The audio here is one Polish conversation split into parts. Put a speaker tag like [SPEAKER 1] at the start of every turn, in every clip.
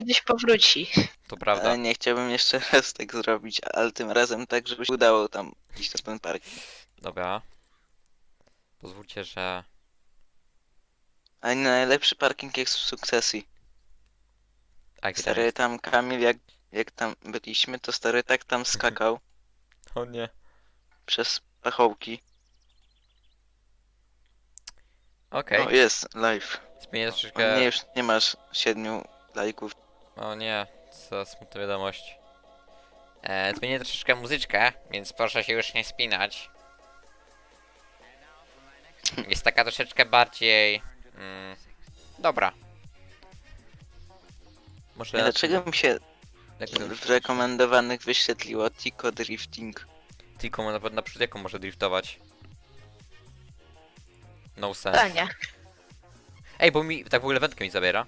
[SPEAKER 1] kiedyś powróci.
[SPEAKER 2] To prawda.
[SPEAKER 3] Ale nie chciałbym jeszcze raz tak zrobić, ale tym razem tak, żeby się udało tam iść na ten park.
[SPEAKER 2] Dobra. Pozwólcie, że...
[SPEAKER 3] Ale nie najlepszy parking jest w Sukcesji.
[SPEAKER 2] A gdzie tam
[SPEAKER 3] Stary
[SPEAKER 2] jest?
[SPEAKER 3] tam Kamil, jak tam byliśmy, to stary tak tam skakał
[SPEAKER 2] O nie.
[SPEAKER 3] przez pachołki.
[SPEAKER 2] Okej.
[SPEAKER 3] O, jest, live.
[SPEAKER 2] Zmienię
[SPEAKER 3] O
[SPEAKER 2] troszeczkę...
[SPEAKER 3] nie, już nie masz 7 lajków.
[SPEAKER 2] O nie, co smutna wiadomość. Zmienię troszeczkę muzyczkę, więc proszę się już nie spinać. Jest taka troszeczkę bardziej... dobra. Może...
[SPEAKER 3] Dlaczego mi się
[SPEAKER 2] Jak to
[SPEAKER 3] w rekomendowanych wyświetliło Tico Drifting?
[SPEAKER 2] Tylko na przykład jaką może driftować? No
[SPEAKER 1] A
[SPEAKER 2] sense.
[SPEAKER 1] nie.
[SPEAKER 2] Ej, bo mi tak w ogóle wędkę mi zabiera.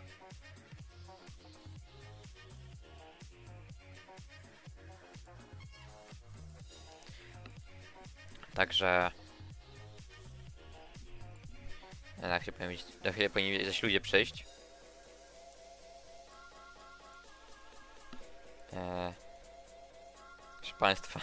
[SPEAKER 2] Także... Na chwilę powinni zaś ludzie przyjść. Proszę państwa.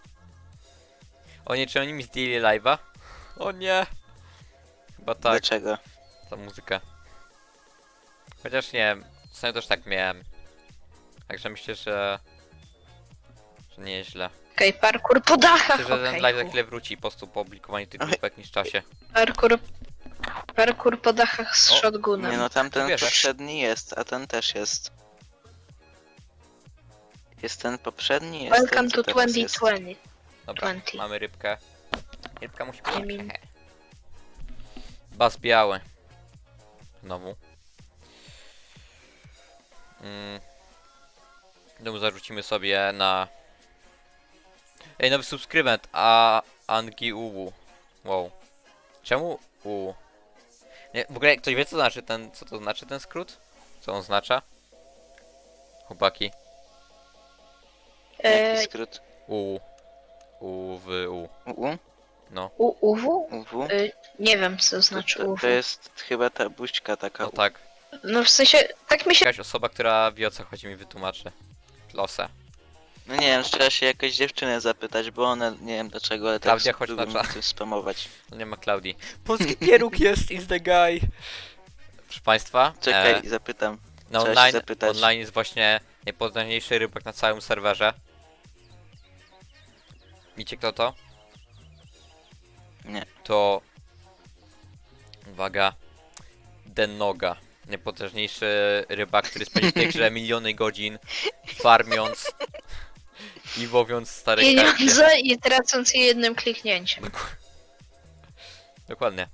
[SPEAKER 2] O nie, czy oni mi zdjęli live'a? O nie! Chyba tak,
[SPEAKER 3] Dlaczego?
[SPEAKER 2] ta muzyka. Chociaż nie wiem, ostatnio też tak miałem. Także myślę, że nieźle.
[SPEAKER 1] Okej, parkour po dachach,
[SPEAKER 2] Myślę, że ten
[SPEAKER 1] okej.
[SPEAKER 2] live za chwilę wróci po prostu po opublikowaniu tych grup w jakimś czasie.
[SPEAKER 1] Parkour po dachach z
[SPEAKER 2] O,
[SPEAKER 1] shotgunem.
[SPEAKER 3] Nie no, tamten
[SPEAKER 2] Wierzę.
[SPEAKER 3] poprzedni jest, a ten też jest. Jest ten poprzedni, jest
[SPEAKER 1] Welcome
[SPEAKER 3] ten, co
[SPEAKER 1] to
[SPEAKER 3] teraz jest.
[SPEAKER 1] 2020.
[SPEAKER 2] Dobra,
[SPEAKER 1] 20.
[SPEAKER 2] mamy rybkę. Rybka musi być.
[SPEAKER 1] I mean-
[SPEAKER 2] Bas biały. Znowu. Znowu zarzucimy sobie na... Ej, nowy subskrybent, a Angi Uwu. Wow. Czemu U? Nie, w ogóle ktoś wie co znaczy ten, co to znaczy ten skrót? Co on oznacza? Chłopaki.
[SPEAKER 3] Jaki skrót?
[SPEAKER 2] U. U w U.
[SPEAKER 3] UU?
[SPEAKER 2] No.
[SPEAKER 1] UW?
[SPEAKER 3] UW?
[SPEAKER 1] Nie wiem, co znaczy
[SPEAKER 3] To
[SPEAKER 1] UW.
[SPEAKER 3] jest chyba ta buźka taka.
[SPEAKER 2] No tak.
[SPEAKER 1] No w sensie, tak mi się...
[SPEAKER 2] Jakaś osoba, która wie o co chodzi mi wytłumaczy. Losę.
[SPEAKER 3] No nie wiem, trzeba się jakoś dziewczynę zapytać, bo ona, nie wiem dlaczego, ale
[SPEAKER 2] Klaudia,
[SPEAKER 3] tak
[SPEAKER 2] chodź na
[SPEAKER 3] lubią
[SPEAKER 2] czat.
[SPEAKER 3] coś spamować.
[SPEAKER 2] No nie ma Klaudii. Polski pieróg jest, is the guy. Proszę państwa.
[SPEAKER 3] Czekaj, zapytam.
[SPEAKER 2] Na
[SPEAKER 3] trzeba się
[SPEAKER 2] online,
[SPEAKER 3] zapytać.
[SPEAKER 2] online jest właśnie najpotężniejszy rybak na całym serwerze. Wiecie kto to?
[SPEAKER 3] Nie.
[SPEAKER 2] To... Uwaga. Dennoga. Najpotężniejszy rybak, który spędził w tej grze miliony godzin farmiąc i łowiąc stare karpie.
[SPEAKER 1] Pieniądze i tracąc je jednym kliknięciem.
[SPEAKER 2] Dokładnie.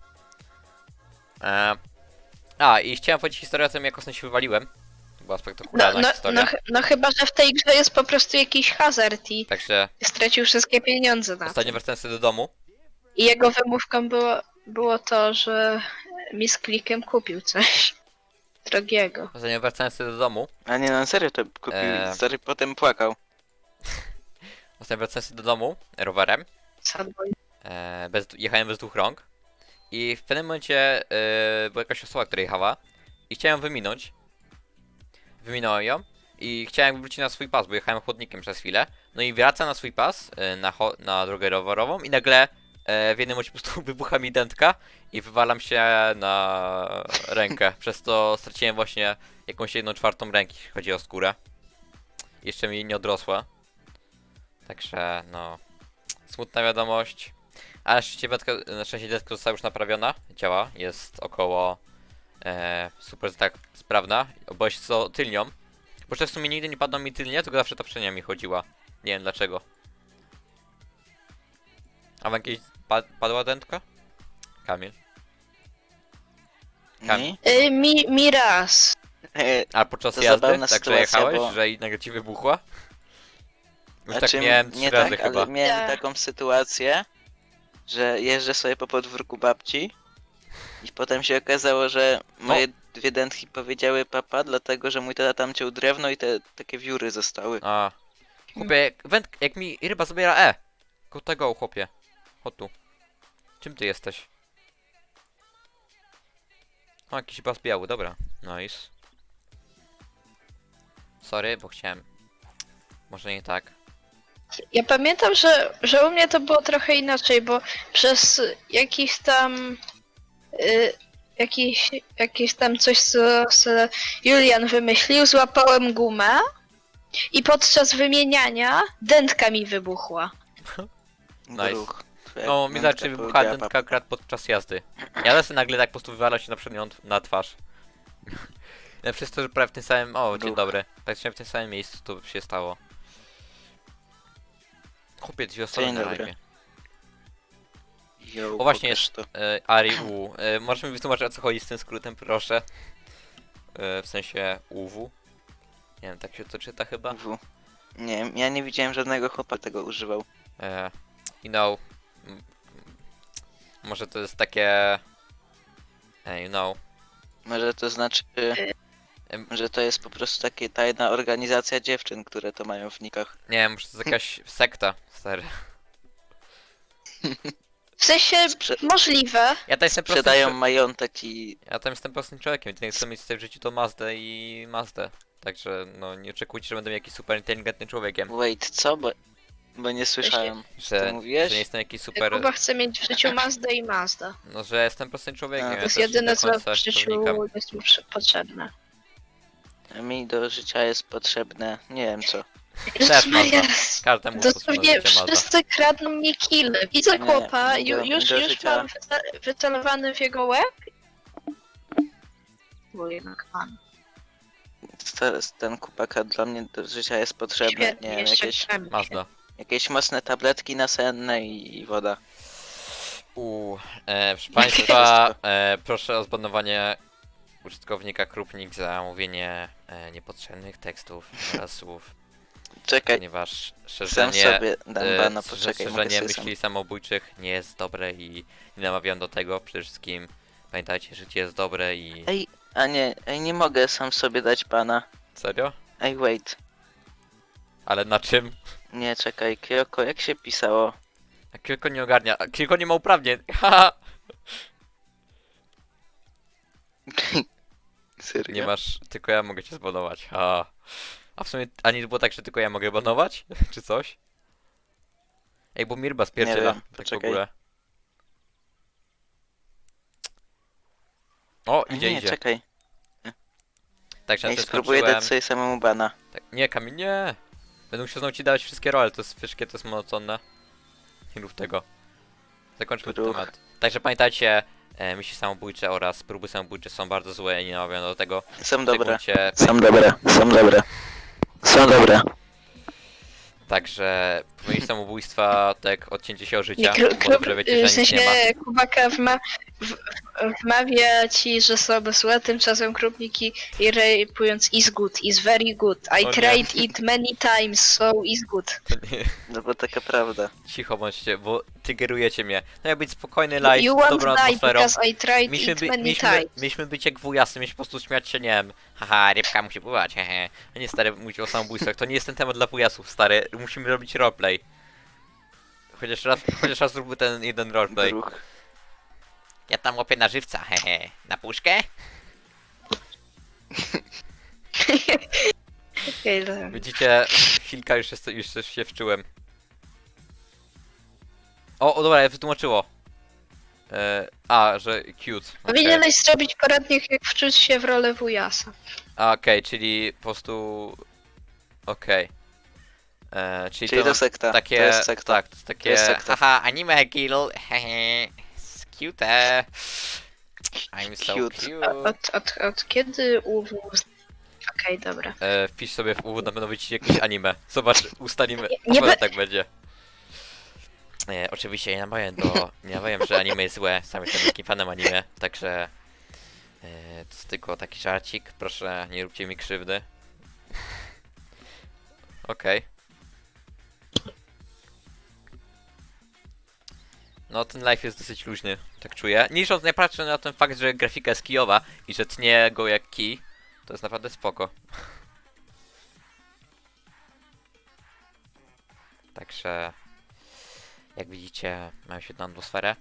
[SPEAKER 2] I chciałem powiedzieć historię o tym, jak ostatnio się wywaliłem. To była spektakularna historia.
[SPEAKER 1] No chyba, że w tej grze jest po prostu jakiś hazard i
[SPEAKER 2] Także
[SPEAKER 1] stracił wszystkie pieniądze na
[SPEAKER 2] ostatnio
[SPEAKER 1] tym.
[SPEAKER 2] wracałem sobie do domu.
[SPEAKER 1] I jego wymówką było to, że mi z klikiem kupił coś drogiego.
[SPEAKER 2] Ostatnio wracałem sobie do domu.
[SPEAKER 3] A nie, no serio to kupił, stary potem płakał.
[SPEAKER 2] Ostatnio wracałem sobie do domu rowerem.
[SPEAKER 1] Sadboy.
[SPEAKER 2] Jechałem bez dwóch rąk. I w pewnym momencie była jakaś osoba, która jechała. I chciałem ją wyminąć. Wyminąłem ją. I chciałem wrócić na swój pas, bo jechałem chodnikiem przez chwilę. No i wracam na swój pas, na drogę rowerową. I nagle w jednym momencie po prostu wybucha mi dętka. I wywalam się na rękę. Przez to straciłem właśnie jakąś 1/4 ręki, jeśli chodzi o skórę. Jeszcze mi nie odrosła. Także no... Smutna wiadomość. Ale na szczęście deska została już naprawiona. Działa, jest około super tak sprawna. Bo jest co tylnią. Bo że w sumie nigdy nie padła mi tylnie, tylko zawsze ta przednia mi chodziła. Nie wiem dlaczego. A wam kiedyś padła dętka? Kamil.
[SPEAKER 3] Nie?
[SPEAKER 1] Mi raz.
[SPEAKER 2] A podczas
[SPEAKER 3] To
[SPEAKER 2] jazdy?
[SPEAKER 3] zabawna
[SPEAKER 2] Tak, że
[SPEAKER 3] sytuacja,
[SPEAKER 2] jechałeś,
[SPEAKER 3] bo-
[SPEAKER 2] że i nagle ci wybuchła? Już
[SPEAKER 3] Znaczy,
[SPEAKER 2] tak miałem 3
[SPEAKER 3] nie
[SPEAKER 2] razy
[SPEAKER 3] tak,
[SPEAKER 2] chyba.
[SPEAKER 3] ale miałem
[SPEAKER 1] Tak.
[SPEAKER 3] taką sytuację, że jeżdżę sobie po podwórku babci i potem się okazało, że moje dwie dętki powiedziały papa, dlatego że mój tata tam ciął drewno i te takie wióry zostały.
[SPEAKER 2] A. Chłopie, jak mi ryba zabiera Go tego, chłopie. Chodź tu. Czym ty jesteś? O, jakiś bas biały, dobra. Nice. sorry, bo chciałem... Może nie tak.
[SPEAKER 1] Ja pamiętam, że u mnie to było trochę inaczej, bo przez jakiś tam jakiś tam coś, co Julian wymyślił, złapałem gumę i podczas wymieniania dętka mi wybuchła.
[SPEAKER 2] Nice.
[SPEAKER 3] Bruch. Twoja
[SPEAKER 2] No, mi
[SPEAKER 3] dętka
[SPEAKER 2] zaczęły wybuchać
[SPEAKER 3] powiedziała
[SPEAKER 2] dętka
[SPEAKER 3] papa.
[SPEAKER 2] akurat podczas jazdy. Ja lecę nagle tak po prostu wywala się na przednią na twarz. Ja przez to, że prawie w tym samym... O, dzień
[SPEAKER 3] Ruch.
[SPEAKER 2] dobry. Praktycznie w tym samym miejscu to się stało. Chłopie, 2 osoby
[SPEAKER 3] Dzień
[SPEAKER 2] na
[SPEAKER 3] dobry.
[SPEAKER 2] live.
[SPEAKER 3] Yo,
[SPEAKER 2] O właśnie
[SPEAKER 3] pokaż
[SPEAKER 2] jest
[SPEAKER 3] to.
[SPEAKER 2] Ari U. Możesz mi wytłumaczyć, o co chodzi z tym skrótem, proszę? W sensie UW. Nie wiem, tak się to czyta chyba.
[SPEAKER 3] Nie, ja nie widziałem żadnego chłopa tego używał.
[SPEAKER 2] You know... Może to jest takie... you know...
[SPEAKER 3] Może to znaczy,
[SPEAKER 2] Em,
[SPEAKER 3] że to jest po prostu taka tajna organizacja dziewczyn, które to mają w nikach.
[SPEAKER 2] Nie wiem, może to jest jakaś sekta, stary.
[SPEAKER 1] W sensie
[SPEAKER 3] Sprze-
[SPEAKER 1] możliwe.
[SPEAKER 2] Ja tam jestem
[SPEAKER 3] Sprzedają
[SPEAKER 2] prostym,
[SPEAKER 3] majątek i...
[SPEAKER 2] ja tam jestem prostym człowiekiem, jedynie chcę mieć sobie w życiu to Mazdę i Mazdę. Także no nie oczekujcie, że będę jakiś super inteligentnym człowiekiem.
[SPEAKER 3] Wait, co? Bo nie słyszałem.
[SPEAKER 2] Że,
[SPEAKER 3] Ty mówiłeś?
[SPEAKER 2] że nie jestem jakiś super...
[SPEAKER 1] Kuba chce mieć w życiu Mazdę i Mazda.
[SPEAKER 2] No, że jestem prostym człowiekiem.
[SPEAKER 3] A,
[SPEAKER 2] Ja
[SPEAKER 1] To jest
[SPEAKER 2] też nie
[SPEAKER 1] jedyne,
[SPEAKER 2] do
[SPEAKER 1] co
[SPEAKER 2] końca
[SPEAKER 1] w
[SPEAKER 2] się to
[SPEAKER 1] życiu
[SPEAKER 2] wnikam.
[SPEAKER 1] jest mi potrzebne.
[SPEAKER 3] Mi do życia jest potrzebne, nie wiem co.
[SPEAKER 2] Też
[SPEAKER 1] Maria,
[SPEAKER 2] Mazda. Każdemu
[SPEAKER 1] dosłownie
[SPEAKER 2] życie Mazda.
[SPEAKER 1] wszyscy kradną mnie kile. Widzę
[SPEAKER 3] Nie,
[SPEAKER 1] chłopa,
[SPEAKER 3] do
[SPEAKER 1] już
[SPEAKER 3] życia-
[SPEAKER 1] mam wycelowany w jego łeb. Bo jednak pan.
[SPEAKER 3] Ten kupaka dla mnie do życia jest potrzebny.
[SPEAKER 1] Świetnie,
[SPEAKER 3] Nie wiem,
[SPEAKER 1] jeszcze
[SPEAKER 2] Mazda.
[SPEAKER 3] jakieś mocne tabletki nasenne i woda.
[SPEAKER 2] Proszę Państwa, proszę o zbanowanie użytkownika Krupnik za mówienie niepotrzebnych tekstów oraz słów,
[SPEAKER 3] Czekaj,
[SPEAKER 2] ponieważ
[SPEAKER 3] sam
[SPEAKER 2] szerzenie,
[SPEAKER 3] sobie dam bana,
[SPEAKER 2] że
[SPEAKER 3] poczekaj, mogę
[SPEAKER 2] szerzenie
[SPEAKER 3] sobie sam.
[SPEAKER 2] myśli samobójczych nie jest dobre i nie namawiam do tego. Przede wszystkim pamiętajcie, życie jest dobre i...
[SPEAKER 3] Ej, nie mogę sam sobie dać bana.
[SPEAKER 2] Serio?
[SPEAKER 3] Ej, wait.
[SPEAKER 2] Ale na czym?
[SPEAKER 3] Nie, czekaj, Kyoko, jak się pisało?
[SPEAKER 2] A Kilko nie ogarnia, a Kilko nie ma uprawnień, haha!
[SPEAKER 3] Serio?
[SPEAKER 2] Nie masz, tylko ja mogę cię zbanować, ha. A w sumie, a nie było tak, że tylko ja mogę banować? Czy coś? Ej, bo Mirba spierdziela,
[SPEAKER 3] wiem,
[SPEAKER 2] tak w
[SPEAKER 3] poczekaj.
[SPEAKER 2] ogóle. O,
[SPEAKER 3] A
[SPEAKER 2] idzie,
[SPEAKER 3] nie,
[SPEAKER 2] idzie.
[SPEAKER 3] czekaj.
[SPEAKER 2] Także
[SPEAKER 3] Ej,
[SPEAKER 2] ja też
[SPEAKER 3] spróbuję
[SPEAKER 2] skończyłem.
[SPEAKER 3] dać sobie samemu bana.
[SPEAKER 2] Tak, nie, Kamil, nie! Będę musiał znowu ci dawać wszystkie role, to jest wszystkie, to jest monotonne. Nie rób tego. Zakończmy ten
[SPEAKER 3] Ruch.
[SPEAKER 2] temat. Także pamiętajcie, myśli samobójcze oraz próby samobójcze są bardzo złe i nie namawiam do tego.
[SPEAKER 3] Są dobre.
[SPEAKER 2] Szczególnie-
[SPEAKER 3] Są dobre, są dobre. Są dobre.
[SPEAKER 2] Także pomyśl samobójstwa, tak odcięcie się od
[SPEAKER 1] Nie,
[SPEAKER 2] życia, bo dobrze wiecie,
[SPEAKER 1] w
[SPEAKER 2] że nic
[SPEAKER 1] sensie
[SPEAKER 2] nie ma.
[SPEAKER 1] Kubaka wmawia ci, że są złe, tymczasem krupniki i rapując is good, is very good. I
[SPEAKER 2] O nie.
[SPEAKER 1] tried it many times, so is good.
[SPEAKER 2] To nie,
[SPEAKER 3] No bo taka prawda.
[SPEAKER 2] cicho bądźcie, bo tygerujecie mnie. No miał być spokojny live,
[SPEAKER 1] You
[SPEAKER 2] z
[SPEAKER 1] won't
[SPEAKER 2] dobrą
[SPEAKER 1] die
[SPEAKER 2] atmosferą.
[SPEAKER 1] because I tried
[SPEAKER 2] Mieliśmy,
[SPEAKER 1] it
[SPEAKER 2] by,
[SPEAKER 1] many
[SPEAKER 2] mieliśmy,
[SPEAKER 1] times.
[SPEAKER 2] mieliśmy być jak wujasy, mieliśmy po prostu śmiać się, nie wiem, haha, rybka musi pływać, hehe. A nie stary, mówić o samobójstwach, to nie jest ten temat dla wujasów, stary, musimy robić roleplay. Chociaż raz zróbmy ten jeden roleplay.
[SPEAKER 3] Druh.
[SPEAKER 2] Ja tam łapię na żywca, hehe. Na puszkę?
[SPEAKER 1] Okej, dobra.
[SPEAKER 2] Widzicie, chwilka już się wczułem. O, dobra, wytłumaczyło. Że cute. okej.
[SPEAKER 1] Powinieneś zrobić poradnik, jak wczuć się w rolę wujasa.
[SPEAKER 2] Okej, czyli po prostu... Okej.
[SPEAKER 3] Czyli to sekta.
[SPEAKER 2] takie...
[SPEAKER 3] To jest sekta.
[SPEAKER 2] Tak, to jest takie...
[SPEAKER 3] jest sekta.
[SPEAKER 2] Haha, anime kill, hehe. Cute. I'm so
[SPEAKER 3] Cute.
[SPEAKER 2] cute.
[SPEAKER 1] Od kiedy UW... Okej, dobra.
[SPEAKER 2] Wpisz sobie w uwód, na pewno wyjdzie jakieś anime. Zobacz, ustalimy,
[SPEAKER 1] Nie
[SPEAKER 2] na pewno
[SPEAKER 1] be-
[SPEAKER 2] tak będzie. Oczywiście nie namawiam, że anime jest złe, sam jestem wielkim fanem anime, także... to jest tylko taki żarcik, proszę nie róbcie mi krzywdy. Okej. No ten live jest dosyć luźny, tak czuję. Niżąc nie patrzę na ten fakt, że grafika jest kijowa i że tnie go jak kij, to jest naprawdę spoko. Także jak widzicie, mamy świetną atmosferę.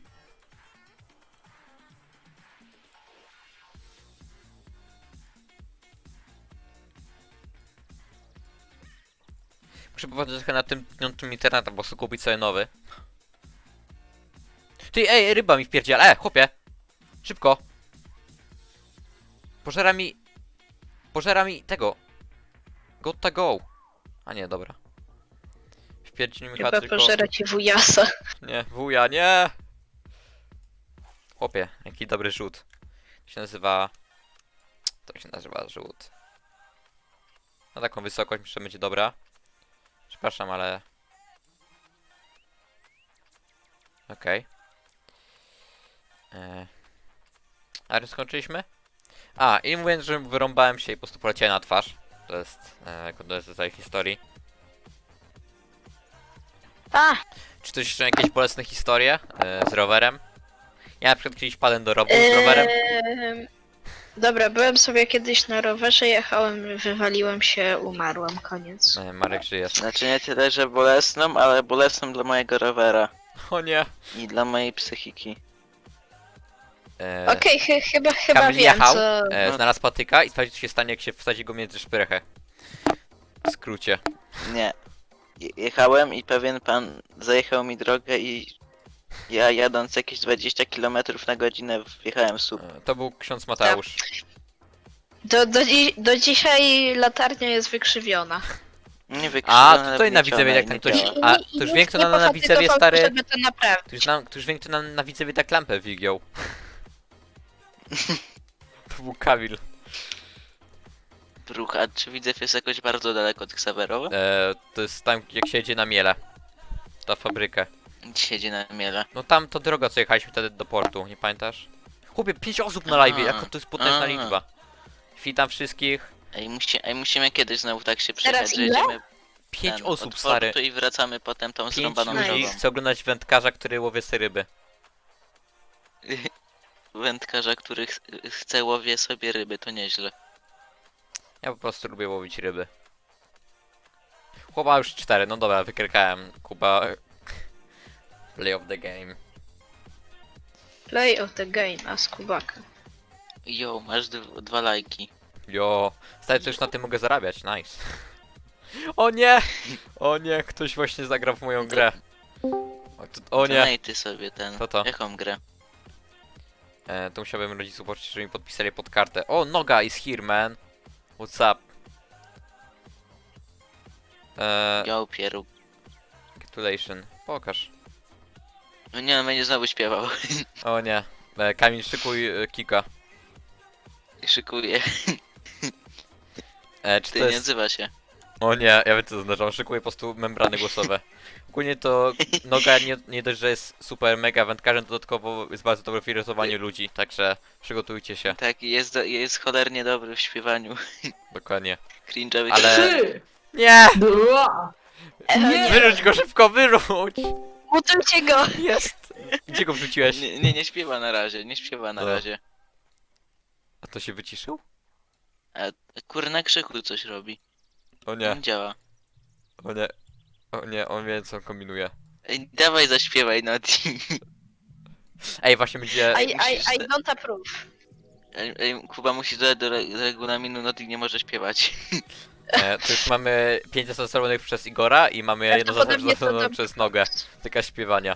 [SPEAKER 2] Muszę popatrzeć trochę na tym internetem, po prostu kupić sobie nowy. Ty, ej, ryba mi wpierdziela, chłopie! Szybko! Pożera mi tego. Gotta go. A nie, dobra. Wpierdziel mi chyba
[SPEAKER 1] Chyba
[SPEAKER 2] tylko...
[SPEAKER 1] pożera ci wujasa.
[SPEAKER 2] Nie, wuja, nie! Chłopie, jaki dobry rzut. To się nazywa... To się nazywa rzut. Na taką wysokość myślę, że będzie dobra. Przepraszam, ale... Okej. Ale skończyliśmy? A, i mówiąc, że wyrąbałem się i po prostu poleciałem na twarz. To jest... to jest z historii.
[SPEAKER 1] A,
[SPEAKER 2] Czy ktoś jeszcze jakieś bolesne historie z rowerem? Ja na przykład kiedyś padłem do rowu z rowerem.
[SPEAKER 1] Dobra, byłem sobie kiedyś na rowerze, jechałem, wywaliłem się, umarłem, koniec.
[SPEAKER 2] Marek żyje.
[SPEAKER 3] Znaczy nie tyle, że bolesną, ale bolesną dla mojego rowera.
[SPEAKER 2] O nie.
[SPEAKER 3] I dla mojej psychiki.
[SPEAKER 1] Okej, chyba
[SPEAKER 2] Kamil
[SPEAKER 1] wiem,
[SPEAKER 2] jechał,
[SPEAKER 1] co...
[SPEAKER 2] znalazł patyka i sprawdził, co się stanie, jak się wsadzi go między szprychę. W skrócie.
[SPEAKER 3] Nie. Jechałem i pewien pan zajechał mi drogę i ja jadąc jakieś 20 km na godzinę wjechałem w słup.
[SPEAKER 2] To był ksiądz Mateusz.
[SPEAKER 1] Do dzisiaj latarnia jest wykrzywiona.
[SPEAKER 3] Nie wykrzywione,
[SPEAKER 2] A, tutaj na Widzewie jak tam ktoś...
[SPEAKER 3] działa.
[SPEAKER 2] A, to już wiem, kto na Widzewie stary...
[SPEAKER 1] Żeby to naprawić.
[SPEAKER 2] To już wiem, kto na Widzewie tak lampę wygiął. To był Kamil.
[SPEAKER 3] Bruch, a czy Widzew jest jakoś bardzo daleko od Xaverowa?
[SPEAKER 2] To jest tam, jak się jedzie na miele. Ta fabrykę.
[SPEAKER 3] Siedzi na miele.
[SPEAKER 2] No tam to droga, co jechaliśmy wtedy do portu, nie pamiętasz? Chłopie, 5 osób na live, jaka to jest potężna liczba. Witam wszystkich.
[SPEAKER 3] Ej, musimy kiedyś znowu tak się przejechać,
[SPEAKER 1] Teraz
[SPEAKER 3] że
[SPEAKER 1] ile?
[SPEAKER 3] jedziemy
[SPEAKER 2] 5
[SPEAKER 3] od
[SPEAKER 2] osób, stary.
[SPEAKER 3] portu i wracamy potem tą
[SPEAKER 2] 5
[SPEAKER 3] zrąbaną
[SPEAKER 1] ludzi.
[SPEAKER 2] ludzi
[SPEAKER 3] drogą.
[SPEAKER 2] chce oglądać wędkarza, który łowie sobie ryby.
[SPEAKER 3] Wędkarza, który chce łowie sobie ryby, to nieźle.
[SPEAKER 2] Ja po prostu lubię łowić ryby. Chłopa już 4, no dobra, wykrykałem. Kuba... Play of the game.
[SPEAKER 1] Play of the game, a skubaka.
[SPEAKER 3] Jo, masz dwa lajki.
[SPEAKER 2] Jo, stary, co już na tym mogę zarabiać, nice. O nie! O nie, ktoś właśnie zagrał w moją grę. O nie!
[SPEAKER 3] Znaj ty sobie ten.
[SPEAKER 2] Co to?
[SPEAKER 3] Jaką grę?
[SPEAKER 2] To musiałbym rodziców prosić, żeby mi podpisali pod kartę. O, Noga is here, man. What's up?
[SPEAKER 3] Jo, pieru.
[SPEAKER 2] Gratulation. Pokaż.
[SPEAKER 3] No nie, on będzie znowu śpiewał.
[SPEAKER 2] O nie. Kamil, szykuj kika.
[SPEAKER 3] Szykuje.
[SPEAKER 2] Czy
[SPEAKER 3] Ty
[SPEAKER 2] to
[SPEAKER 3] nie
[SPEAKER 2] jest...
[SPEAKER 3] odzywa się.
[SPEAKER 2] O nie, ja wiem co to znaczy, on szykuje po prostu membrany głosowe. Ogólnie to Noga nie dość, że jest super mega wędkarzem, dodatkowo jest bardzo dobry w irytowaniu ludzi, także przygotujcie się,
[SPEAKER 3] Tak, jest cholernie dobry w śpiewaniu.
[SPEAKER 2] dokładnie.
[SPEAKER 3] Cringe'owych.
[SPEAKER 2] Ale-
[SPEAKER 4] 3,
[SPEAKER 2] Nie!
[SPEAKER 4] 2, nie!
[SPEAKER 2] Wyrzuć go szybko, wyrzuć!
[SPEAKER 1] Mutujcie go!
[SPEAKER 2] Jest! Gdzie go wrzuciłeś?
[SPEAKER 3] Nie śpiewa na razie, nie śpiewa na
[SPEAKER 2] O.
[SPEAKER 3] razie.
[SPEAKER 2] A to się wyciszył?
[SPEAKER 3] A kurna krzyku coś robi.
[SPEAKER 2] O nie,
[SPEAKER 3] Nie działa.
[SPEAKER 2] o nie. O nie, on wie co kombinuje.
[SPEAKER 3] Ej, dawaj zaśpiewaj Noti.
[SPEAKER 2] Ej, właśnie będzie...
[SPEAKER 1] I don't approve.
[SPEAKER 3] Ej, Kuba musi dodać do regulaminu Noti nie może śpiewać.
[SPEAKER 2] To już mamy 5 zastosowanych przez Igora i mamy jedno
[SPEAKER 1] Prawdopodobnie to
[SPEAKER 2] zastosowane
[SPEAKER 1] tam-
[SPEAKER 2] przez Nogę. Taka śpiewania.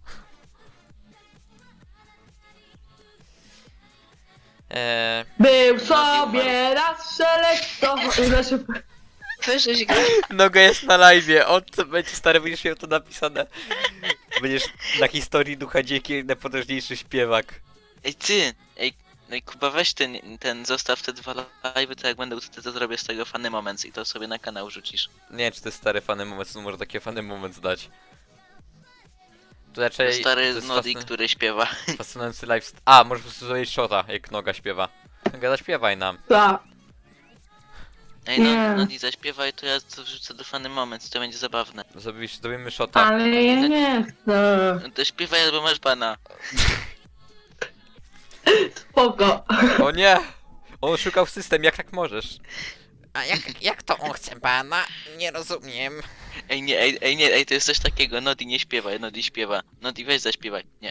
[SPEAKER 4] Był sobie raz szelekto. Znaczy,
[SPEAKER 1] Wyżyć go.
[SPEAKER 2] Noga jest na live'ie, on co będzie stary, będziesz miał to napisane. Będziesz na historii Ducha Dzięki najpotężniejszy śpiewak.
[SPEAKER 3] Ej ty! Ej Kuba weź ten zostaw te dwa live'y, to jak będę to zrobię z tego funny moments i to sobie na kanał rzucisz.
[SPEAKER 2] Nie wiem, czy to jest stary fany moment, no może taki fany moment zdać. To
[SPEAKER 3] To
[SPEAKER 2] raczej... to
[SPEAKER 3] stary
[SPEAKER 2] jest
[SPEAKER 3] Nodi, który śpiewa.
[SPEAKER 2] fascynujący live... A, może po prostu zrobić shota, jak Noga śpiewa. Noga, zaśpiewaj nam.
[SPEAKER 4] tak.
[SPEAKER 3] Ej no,
[SPEAKER 4] Nie.
[SPEAKER 3] Nodi zaśpiewaj, to ja to wrzucę do funny moments, to będzie zabawne.
[SPEAKER 2] Zrobimy shota.
[SPEAKER 4] Ale ja nie chcę.
[SPEAKER 3] No to śpiewaj albo masz bana.
[SPEAKER 4] Spoko.
[SPEAKER 2] O nie! On szukał system, jak tak możesz? A jak to on chce bana? Nie rozumiem.
[SPEAKER 3] Ej nie, ej to jest coś takiego, Nodi nie śpiewaj, Nodi śpiewa. Nodi weź zaśpiewaj. Nie.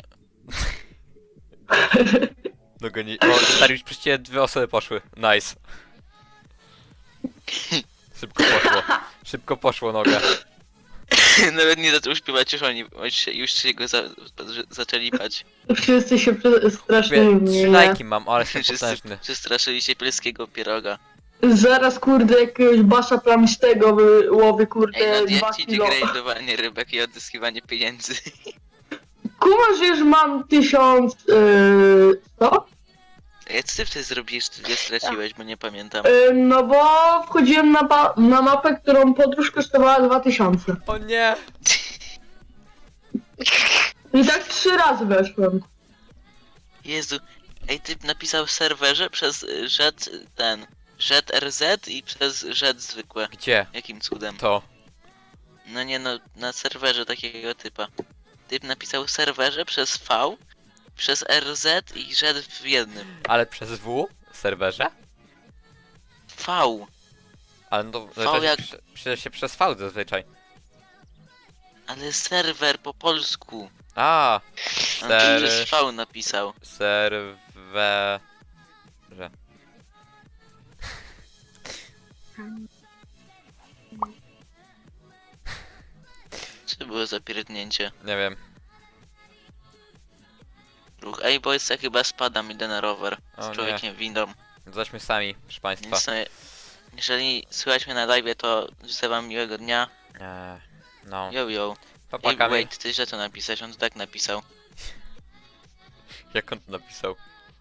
[SPEAKER 2] Noga nie... O, stary, już przecież 2 osoby poszły. Nice. Szybko poszło. Szybko poszło noga.
[SPEAKER 3] Nawet nie zaczął śpiewać, już się go zaczęli bać.
[SPEAKER 4] Wszyscy się strasznie
[SPEAKER 2] Mówię, 3
[SPEAKER 4] mnie.
[SPEAKER 2] lajki mam, ale jestem
[SPEAKER 3] Wszyscy
[SPEAKER 2] potężny.
[SPEAKER 3] przestraszyli się polskiego pieroga.
[SPEAKER 4] Zaraz kurde jakiegoś basza plamistego wyłowi
[SPEAKER 3] Ej,
[SPEAKER 4] kurde
[SPEAKER 3] no
[SPEAKER 4] 2
[SPEAKER 3] jak ci
[SPEAKER 4] kilo.
[SPEAKER 3] gradowanie rybek i odzyskiwanie pieniędzy.
[SPEAKER 4] Kumasz, że już mam 1000... co?
[SPEAKER 3] Ej, co ty wtedy zrobiłeś, czy nie straciłeś, bo nie pamiętam.
[SPEAKER 4] No bo wchodziłem na mapę, którą podróż kosztowała 2000.
[SPEAKER 2] O nie!
[SPEAKER 4] I tak 3 razy weszłem.
[SPEAKER 3] Jezu. Ej, typ napisał w serwerze przez rzet RZ i przez rzet zwykłe.
[SPEAKER 2] Gdzie?
[SPEAKER 3] Jakim cudem?
[SPEAKER 2] To.
[SPEAKER 3] No nie no, na serwerze takiego typa. Typ napisał w serwerze przez V, przez RZ i rzet w jednym.
[SPEAKER 2] Ale przez W? W serwerze?
[SPEAKER 3] V.
[SPEAKER 2] Ale no to
[SPEAKER 3] V jak-
[SPEAKER 2] przecież się przez V zazwyczaj.
[SPEAKER 3] Ale serwer po polsku.
[SPEAKER 2] A,
[SPEAKER 3] On to przez V napisał.
[SPEAKER 2] serwerze.
[SPEAKER 3] Co było za pierdnięcie?
[SPEAKER 2] Nie wiem.
[SPEAKER 3] Ruch. Ej, bo jest, ja chyba spadam, idę na rower.
[SPEAKER 2] O
[SPEAKER 3] Z
[SPEAKER 2] nie.
[SPEAKER 3] człowiekiem windą.
[SPEAKER 2] Jesteśmy sami, proszę państwa.
[SPEAKER 3] Więc jeżeli słuchać mnie na live, to życzę wam miłego dnia.
[SPEAKER 2] No.
[SPEAKER 3] Yo yo.
[SPEAKER 2] Papa
[SPEAKER 3] Ej,
[SPEAKER 2] Kamil.
[SPEAKER 3] wait, ty źle to napisałeś, on to tak napisał.
[SPEAKER 2] Jak on to napisał?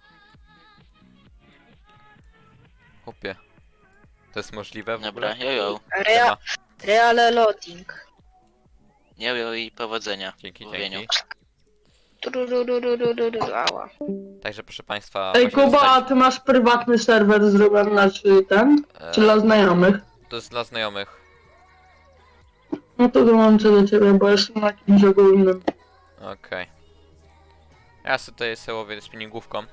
[SPEAKER 2] Chłopie. To jest możliwe w
[SPEAKER 3] Dobra,
[SPEAKER 2] ogóle?
[SPEAKER 3] yo yo.
[SPEAKER 2] Siema.
[SPEAKER 1] Reale loading.
[SPEAKER 3] Yo yo i powodzenia.
[SPEAKER 2] Dzięki,
[SPEAKER 3] w łowieniu.
[SPEAKER 2] dzięki.
[SPEAKER 1] Ała.
[SPEAKER 2] Także proszę państwa...
[SPEAKER 4] Ej
[SPEAKER 2] właśnie
[SPEAKER 4] Kuba, a
[SPEAKER 2] zostali-
[SPEAKER 4] ty masz prywatny serwer zrobiony, czy ten? Czy
[SPEAKER 2] e,
[SPEAKER 4] dla znajomych?
[SPEAKER 2] To jest dla znajomych.
[SPEAKER 4] No to dołączę do ciebie, bo jestem na kimś ogólnym.
[SPEAKER 2] Okej. Ja sobie tutaj łowię spinningówką.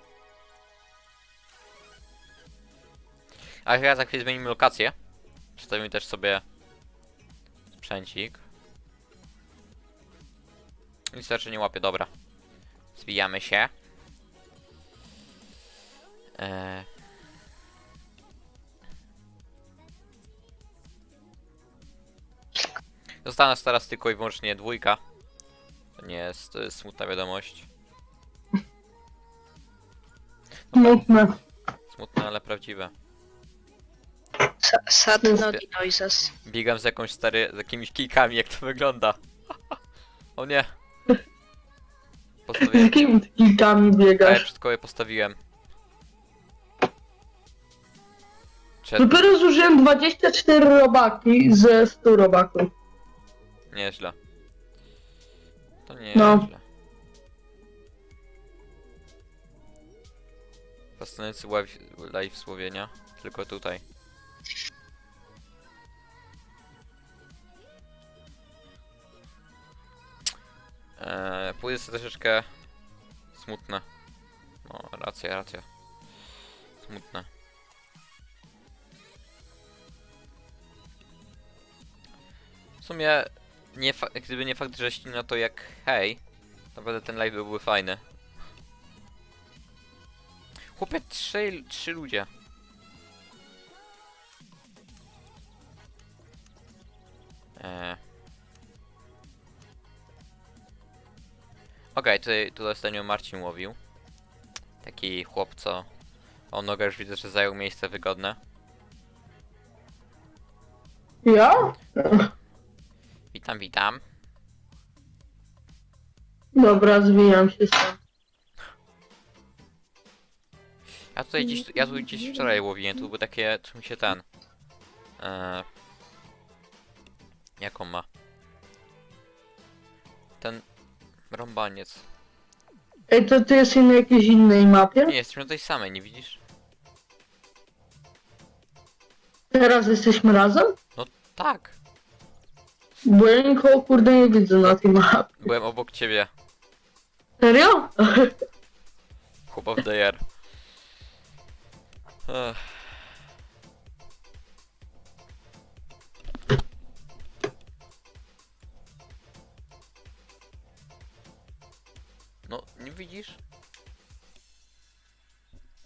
[SPEAKER 2] A ja za chwilę zmienimy lokację. Przedstawimy też sobie sprzęcik. Nic raczej nie łapie, dobra. Zwijamy się. Została nas teraz tylko i wyłącznie dwójka. To nie jest, to jest smutna wiadomość.
[SPEAKER 4] Smutne.
[SPEAKER 2] Smutne, ale prawdziwe.
[SPEAKER 1] Sad nogi noises.
[SPEAKER 2] Biegam z jakąś z jakimiś kijkami, jak to wygląda. O nie.
[SPEAKER 4] Z
[SPEAKER 2] Postawiłem.
[SPEAKER 4] jakimi kilkami
[SPEAKER 2] A ja
[SPEAKER 4] biegasz?
[SPEAKER 2] przed koło je postawiłem.
[SPEAKER 4] Dopiero zużyłem 24 robaki ze 100 robaków.
[SPEAKER 2] Nieźle. To nie
[SPEAKER 4] No.
[SPEAKER 2] źle. Fascynujący live Słowienia. Tylko tutaj. Pójdę sobie troszeczkę smutne. No, racja. Smutne. W sumie, gdyby nie fakt, że ścina to jak hej, naprawdę ten live byłby fajny. Chłopie, trzy ludzie. Okej, tutaj ostatnio Marcin łowił. Taki chłop, co... O nogę już widzę, że zajął miejsce wygodne.
[SPEAKER 4] Ja?
[SPEAKER 2] Witam.
[SPEAKER 4] Dobra, zwijam się sam.
[SPEAKER 2] Ja tu gdzieś wczoraj łowiłem, tu był takie, czy mi się ten... Jak on ma? Ten... Rąbaniec.
[SPEAKER 4] Ej, to ty jesteś na jakiejś innej mapie?
[SPEAKER 2] Nie, jesteśmy na tej samej, nie widzisz?
[SPEAKER 4] Teraz jesteśmy razem?
[SPEAKER 2] Tak.
[SPEAKER 4] Bo ja nikogo kurde nie widzę na tej mapie.
[SPEAKER 2] Byłem obok ciebie.
[SPEAKER 4] Serio?
[SPEAKER 2] Chłop of the year. Ech. No, nie widzisz?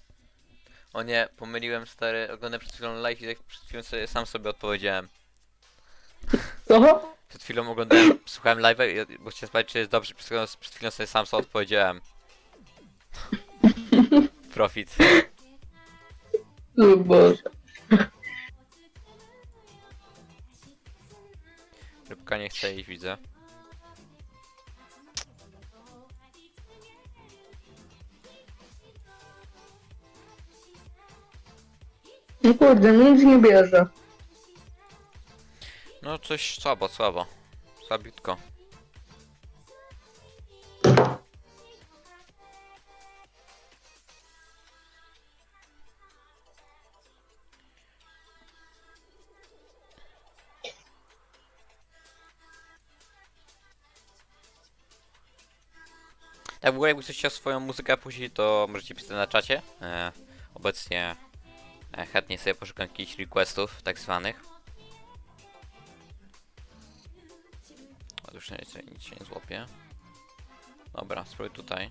[SPEAKER 2] O nie, pomyliłem stary, oglądam przed chwilą live i tak przed chwilą sam sobie odpowiedziałem.
[SPEAKER 4] Co?
[SPEAKER 2] Przed chwilą oglądałem, słuchałem live'a, bo chciałem sprawdzić, czy jest dobrze, przed chwilą sobie sam sobie odpowiedziałem. Profit.
[SPEAKER 4] O Boże.
[SPEAKER 2] Rybka nie chce iść, widzę.
[SPEAKER 4] No kurde, nic nie bierze.
[SPEAKER 2] No coś słabo, słabo. Słabiutko. Tak, w ogóle jakby ktoś chciał swoją muzykę puścić, to możecie pisać na czacie. Obecnie chętnie sobie poszukam jakichś requestów, tak zwanych. O, już nic się nie złapie. Dobra, spróbuj tutaj.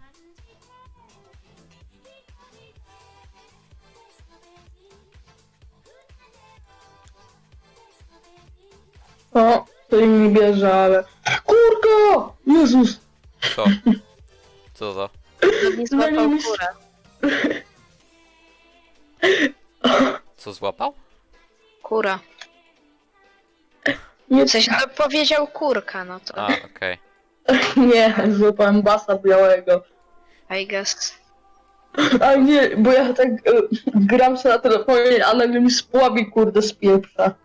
[SPEAKER 4] O, to im nie bierze, ale... Kurka! Jezus!
[SPEAKER 2] Co? Co to?
[SPEAKER 1] Nie złapał
[SPEAKER 4] Zwalił mi-
[SPEAKER 1] kurę.
[SPEAKER 2] Co złapał?
[SPEAKER 1] Kura.
[SPEAKER 4] Nie,
[SPEAKER 1] W sensie to powiedział kurka, no to
[SPEAKER 2] A, okej.
[SPEAKER 4] nie, złapałem basa białego.
[SPEAKER 1] I guess.
[SPEAKER 4] A nie, bo ja tak gram się na telefonie, a nagle mi spławi kurde z pieprza.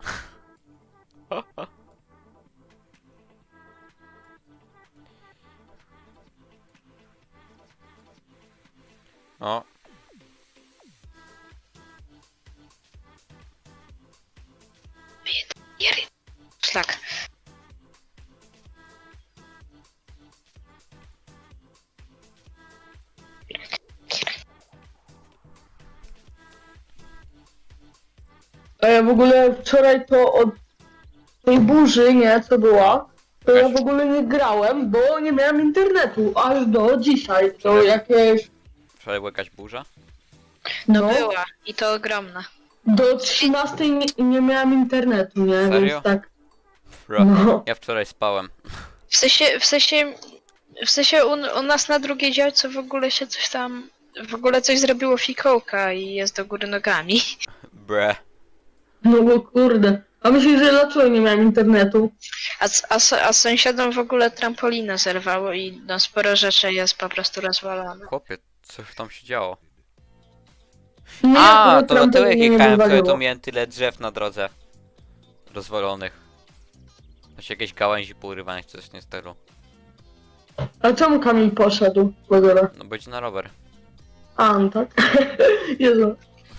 [SPEAKER 2] O.
[SPEAKER 1] Szlak.
[SPEAKER 4] A ja w ogóle wczoraj to od tej burzy, nie, co była, to ja w ogóle nie grałem, bo nie miałem internetu, aż do dzisiaj, to jakieś,
[SPEAKER 2] Wczoraj była jakaś burza?
[SPEAKER 1] No
[SPEAKER 4] no,
[SPEAKER 1] była. I to ogromna.
[SPEAKER 4] do 13 nie miałem internetu, nie,
[SPEAKER 2] Serio?
[SPEAKER 4] więc tak,
[SPEAKER 2] Bro.
[SPEAKER 4] no.
[SPEAKER 2] Ja wczoraj spałem.
[SPEAKER 1] W sensie u nas na drugiej działce w ogóle się coś tam, w ogóle coś zrobiło fikołka i jest do góry nogami.
[SPEAKER 2] Bre.
[SPEAKER 4] No bo kurde. A myślisz, że dlaczego nie miałem internetu?
[SPEAKER 1] A sąsiadom w ogóle trampolinę zerwało i no sporo rzeczy jest po prostu rozwalone.
[SPEAKER 2] Chłopie, co tam się działo?
[SPEAKER 4] Nie,
[SPEAKER 2] A,
[SPEAKER 4] bo
[SPEAKER 2] to dlatego jak
[SPEAKER 4] trampoliny nie
[SPEAKER 2] jechałem wczoraj, to
[SPEAKER 4] wywaliło.
[SPEAKER 2] miałem tyle drzew na drodze. Rozwalonych. Znaczy jakieś gałęzi pourywanych, czy coś nie stylu.
[SPEAKER 4] A czemu Kamil poszedł w ogóle?
[SPEAKER 2] No bo idzie na rower.
[SPEAKER 4] A, no tak. Jezu.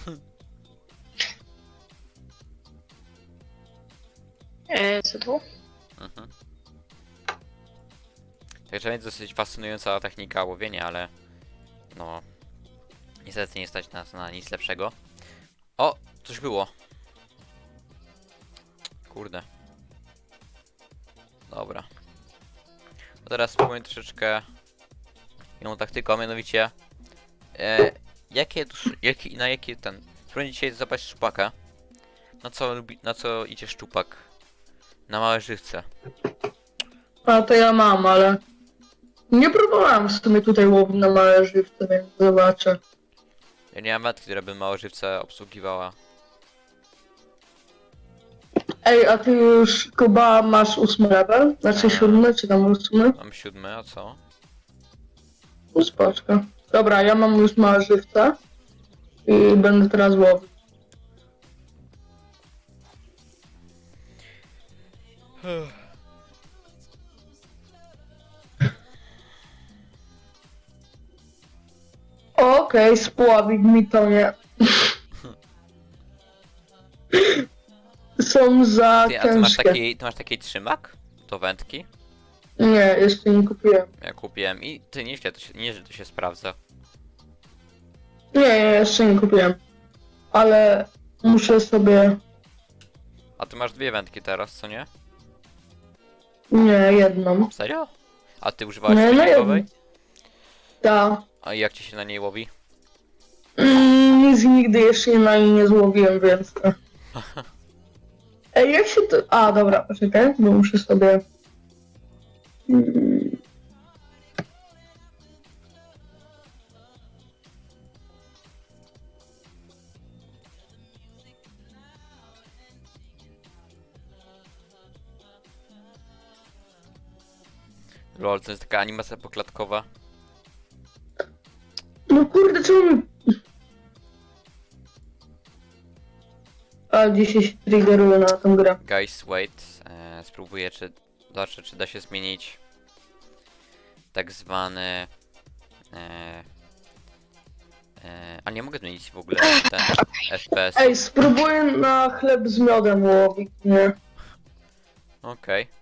[SPEAKER 1] Co tu?
[SPEAKER 2] Mhm. Także jest dosyć fascynująca technika łowienia, ale no niestety nie stać nas na nic lepszego. O, coś było. Kurde. Dobra. To teraz spróbuję troszeczkę inną taktyką, mianowicie na jaki ten... Spróbuję dzisiaj zapaść szczupaka. Na co idzie szczupak? Na małe żywce.
[SPEAKER 4] A to ja mam, ale... Nie próbowałem w sumie tutaj łowić na małe żywce, więc zobaczę.
[SPEAKER 2] Ja nie mam matki, która by małe żywce obsługiwała.
[SPEAKER 4] Ej, a ty już Kuba masz 8 level? Znaczy 7, czy tam 8?
[SPEAKER 2] Mam 7, a co?
[SPEAKER 4] Spoczko. Dobra, ja mam już małe żywce. I będę teraz łowić. Okej, spławik mi to nie. Są za
[SPEAKER 2] Ty, a ty masz
[SPEAKER 4] ciężkie.
[SPEAKER 2] taki trzymak? Do wędki?
[SPEAKER 4] Nie, jeszcze nie kupiłem.
[SPEAKER 2] Ja kupiłem i ty nieźle to się sprawdza.
[SPEAKER 4] Nie, jeszcze nie kupiłem. Ale muszę sobie...
[SPEAKER 2] A ty masz dwie wędki teraz, co nie?
[SPEAKER 4] Nie, jedną.
[SPEAKER 2] Serio? A ty używałeś
[SPEAKER 4] Nie, no
[SPEAKER 2] silnikowej?
[SPEAKER 4] Tak.
[SPEAKER 2] A jak ci się na niej łowi?
[SPEAKER 4] Nic nigdy jeszcze na niej nie złowiłem, więc... Ej, jak się to... A, dobra, poczekaj, bo muszę sobie... Mm.
[SPEAKER 2] Lol, to jest taka animacja poklatkowa.
[SPEAKER 4] No kurde, czemu mi... A, dzisiaj się triggeruje na tą grę.
[SPEAKER 2] Guys, wait. Spróbuję, zobaczę, czy da się zmienić tak zwany... a nie mogę zmienić w ogóle ten FPS.
[SPEAKER 4] Ej, spróbuję na chleb z miodem łowić, nie?
[SPEAKER 2] Okej.